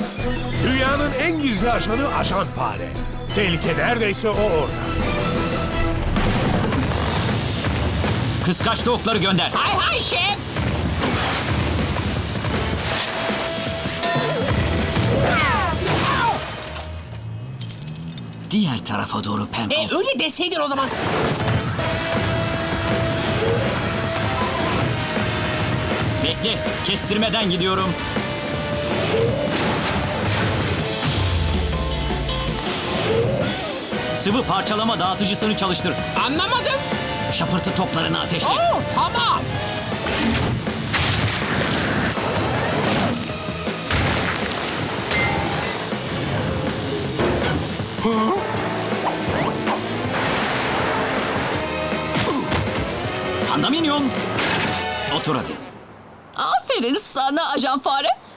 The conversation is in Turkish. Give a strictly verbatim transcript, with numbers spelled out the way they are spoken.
Dünyanın en gizli ajanı Ajan Fare. Tehlike neredeyse o orada. Kıskaçlı okları gönder. Hay hay şef. Diğer tarafa doğru Penfo. E öyle deseydin o zaman. Bekle, kestirmeden gidiyorum. Sıvı parçalama dağıtıcısını çalıştır. Anlamadım. Şapırtı toplarını ateşle. Oo, tamam. Pandaminyon. Otur hadi. Aferin sana Ajan Fare.